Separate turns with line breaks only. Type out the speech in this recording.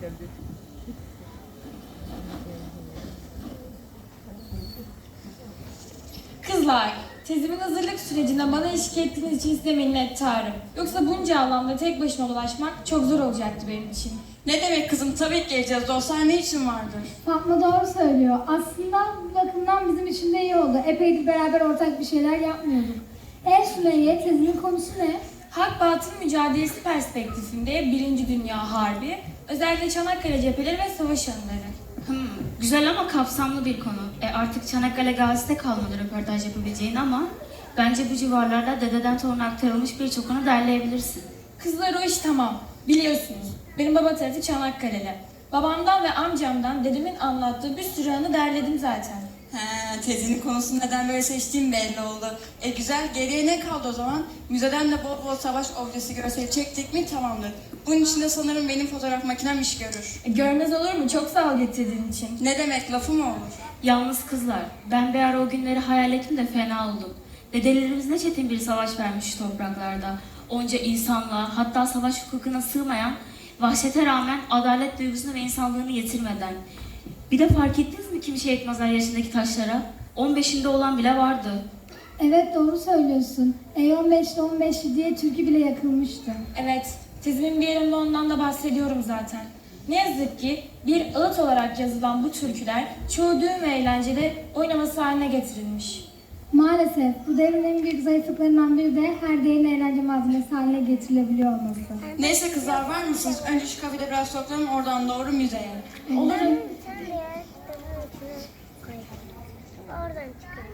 Kızlar, tezimin hazırlık sürecinde bana eşlik ettiğiniz için size minnettarım. Yoksa bunca alanda tek başıma dolaşmak çok zor olacaktı benim için.
Ne demek kızım, tabii ki geleceğiz. Dostlar ne için vardır?
Fatma doğru söylüyor. Aslında bu bakımdan bizim için de iyi oldu. Epeydir beraber ortak bir şeyler yapmıyorduk. Sümeyye, tezinin konusu ne?
Hak-batıl mücadelesi perspektifinde Birinci Dünya Harbi, özellikle Çanakkale cepheleri ve savaş anıları.
Güzel ama kapsamlı bir konu. Artık Çanakkale Gazi'de kalmadı röportaj yapabileceğin ama bence bu civarlarda dededen toruna aktarılmış birçok anı derleyebilirsin.
Kızlar o iş tamam. Biliyorsunuz, benim baba tarafı Çanakkale'li. Babamdan ve amcamdan dedemin anlattığı bir sürü anı derledim zaten.
Tezinin konusunu neden böyle seçtiğim belli oldu. Güzel, geriye ne kaldı o zaman? Müzeden de bol bol savaş objesi görseli çektik mi tamamdır. Bunun için de sanırım benim fotoğraf makinem iş görür.
Görmez olur mu? Çok sağ ol getirdiğin için.
Ne demek, lafı mı olur?
Yalnız kızlar, ben bir ara o günleri hayal ettim de fena oldum. Dedelerimiz ne çetin bir savaş vermiş şu topraklarda. Onca insanlığa, hatta savaş hukukuna sığmayan, vahşete rağmen adalet duygusunu ve insanlığını yitirmeden. Bir de fark ettiniz mi kimi şehit mezar yaşındaki taşlara? 15'inde olan bile vardı.
Evet doğru söylüyorsun. 15'te 15 diye türkü bile yakılmıştı.
Evet, tezimin bir yerinde ondan da bahsediyorum zaten. Ne yazık ki bir ağıt olarak yazılan bu türküler çoğu düğün ve eğlencede oynaması haline getirilmiş.
Maalesef bu devrin en büyük zayıflıklarından biri de her değerin eğlence malzemesi haline getirilebiliyor olması.
Neyse kızlar, var mısınız? Önce şu kafede biraz toplanın, oradan doğru müzeye.
Olur.
Oradan çıkalım.